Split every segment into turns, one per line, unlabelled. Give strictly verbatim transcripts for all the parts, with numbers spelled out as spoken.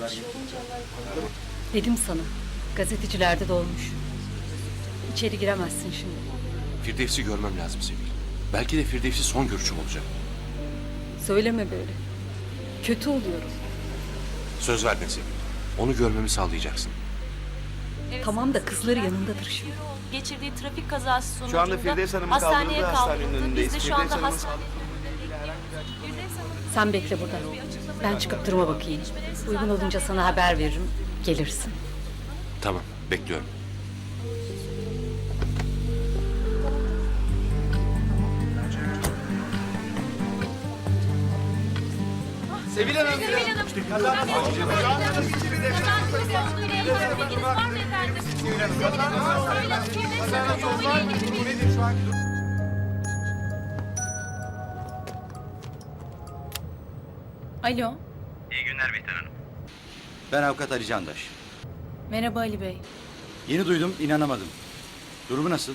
Dedim sana, gazetecilerde de olmuş. İçeri giremezsin şimdi.
Firdevs'i görmem lazım Sevil. Belki de Firdevs'i son görüşüm olacak.
Söyleme böyle. Kötü oluyorum.
Söz verdin Sevil. Onu görmemi sağlayacaksın.
Evet,
Tamam da kızları yanındadır şimdi.
geçirdiği trafik kazası sonucunda
Şu anda Firdevs Hanım'ın
hastaneye
kaldırıldığı hastanenin
kaldırıldı.
önündeyiz.
Biz de şu
Firdevs
anda
Hanım'ın
hastanede.
Sen bekle burada. Ben çıkıp duruma bakayım. Uygun olunca sana haber veririm. Gelirsin.
Tamam, bekliyorum.
Sevil Hanım.
Alo,
İyi günler Bihter Hanım.
Ben avukat Ali Candaş.
merhaba Ali Bey.
Yeni duydum, inanamadım. Durumu nasıl?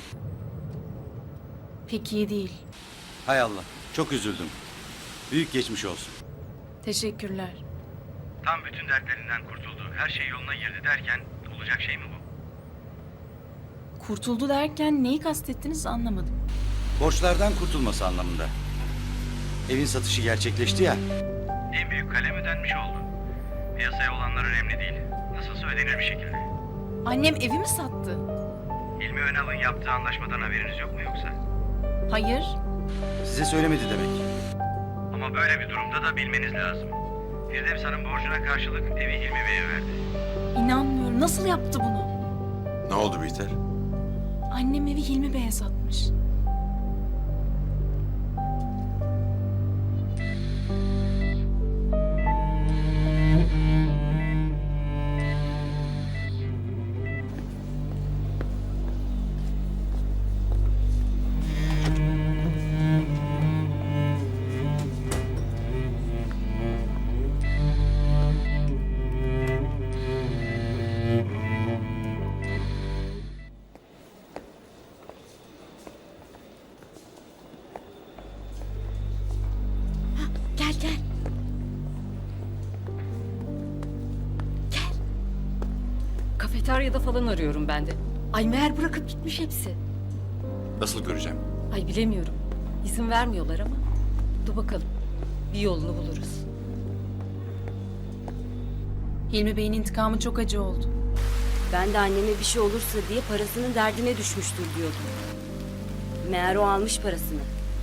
Pek iyi değil.
Hay Allah, çok üzüldüm. Büyük geçmiş olsun.
Teşekkürler.
Tam bütün dertlerinden kurtuldu. Her şey yoluna girdi derken olacak şey mi bu?
Kurtuldu derken neyi kastettiniz anlamadım.
Borçlardan kurtulması anlamında. Evin satışı gerçekleşti ya.
En büyük kalem ödenmiş oldu. Piyasaya olanlar önemli değil. Nasılsa ödenir bir şekilde.
Annem evi mi sattı?
İlmi Önal'ın yaptığı anlaşmadan haberiniz yok mu yoksa?
Hayır.
Size söylemedi demek.
Ama böyle bir durumda da bilmeniz lazım. Firdevs Hanım borcuna karşılık evi Hilmi Bey'e verdi.
İnanmıyorum. Nasıl yaptı bunu?
Ne oldu Bihter?
Annem evi Hilmi Bey'e satmış.
Gel gel. Gel. Kafeteryada falan arıyorum ben de. Ay meğer bırakıp gitmiş hepsi.
Nasıl göreceğim?
Ay bilemiyorum. İzin vermiyorlar ama. Dur bakalım. Bir yolunu buluruz.
Hilmi Bey'in intikamı çok acı oldu.
Ben de anneme bir şey olursa diye parasının derdine düşmüştür diyordum. Meğer o almış parasını.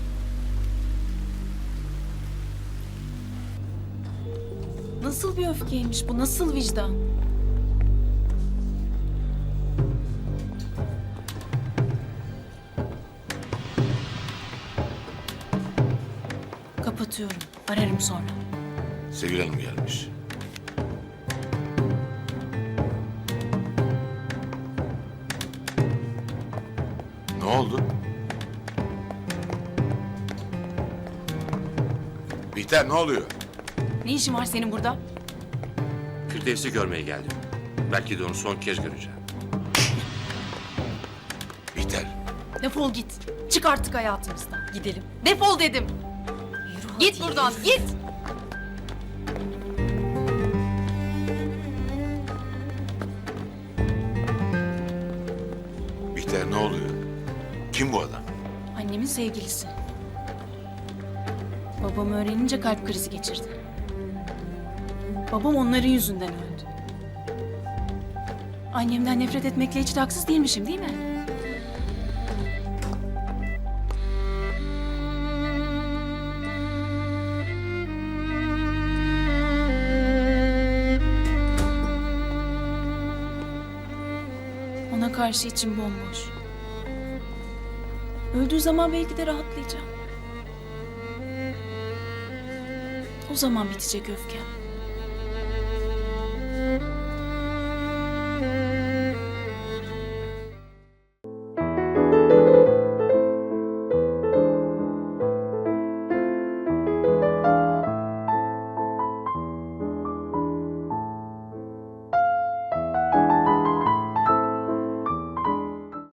Nasıl bir öfkeymiş bu? Nasıl vicdan? Kapatıyorum. Ararım sonra.
Sevil Hanım gelmiş. Ne oldu? Bihter ne oluyor?
Ne işin var senin burada?
Firdevs'i görmeye geldim. Belki de onu son kez göreceğim. Bihter.
Defol git. Çık artık hayatımızdan.
Gidelim.
Defol dedim.
Yürü
Git
hadi.
buradan. Git.
Bihter ne oluyor? Kim bu adam?
Annemin sevgilisi. Babam öğrenince kalp krizi geçirdi. Babam onların yüzünden öldü. Annemden nefret etmekle hiç de haksız değilmişim değil mi? Ona karşı içim bomboş. Öldüğü zaman belki de rahatlayacağım. O zaman bitecek öfkem.